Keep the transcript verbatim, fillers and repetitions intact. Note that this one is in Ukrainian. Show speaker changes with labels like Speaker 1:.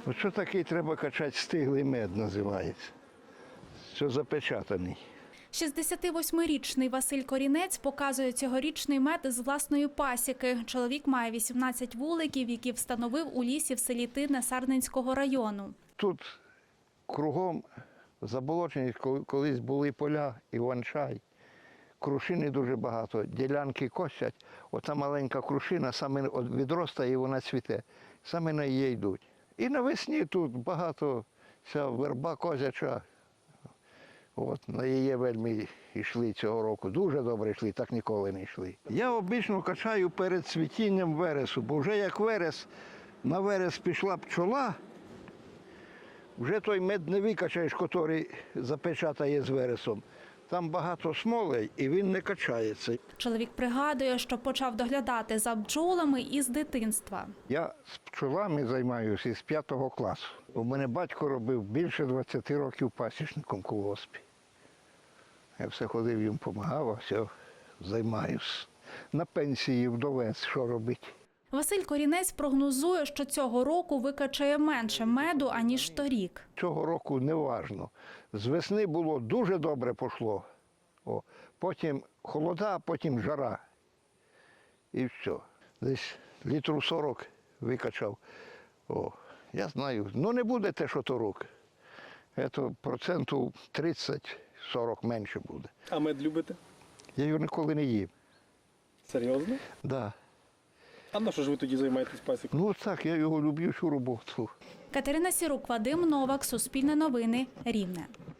Speaker 1: Що такий треба качати, стиглий мед називається. Що запечатаний.
Speaker 2: шістдесятивосьмирічний Василь Корінець показує цьогорічний мед з власної пасіки. Чоловік має вісімнадцять вуликів, які встановив у лісі в селі Тине Сарненського району.
Speaker 1: Тут кругом заболочені, колись були поля, іван-чай. Крушини дуже багато, ділянки косять. Ота маленька крушина саме відростає і вона цвіте. Саме на її йдуть. І навесні тут багато ця верба козяча. От, на її вельми йшли цього року. Дуже добре йшли, так ніколи не йшли. Я обично качаю перед цвітінням вересу, бо вже як верес, на верес пішла пчола, вже той мед не викачаєш, який запечатає з вересом. Там багато смолей і він не качається.
Speaker 2: Чоловік пригадує, що почав доглядати за бджолами із дитинства.
Speaker 1: Я з пчолами займаюся із п'ятого класу. У мене батько робив більше двадцяти років пасічником в колгоспі. Я все ходив, їм допомагав, а все займаюся. На пенсії вдовець, що робити.
Speaker 2: Василь Корінець прогнозує, що цього року викачає менше меду, аніж торік.
Speaker 1: Цього року не важно. З весни було дуже добре пішло. О, потім холода, а потім жара. І все. Десь літру сорок викачав. О, я знаю, ну не буде те, що торік. Це процентів тридцять-сорок менше буде.
Speaker 3: А мед любите?
Speaker 1: Я його ніколи не їв.
Speaker 3: Серйозно?
Speaker 1: Так. Да.
Speaker 3: А на що ж ви тоді займаєтесь пасікою?
Speaker 1: Ну так, я його люблю, цю роботу.
Speaker 2: Катерина Сірук, Вадим Новак, Суспільне новини, Рівне.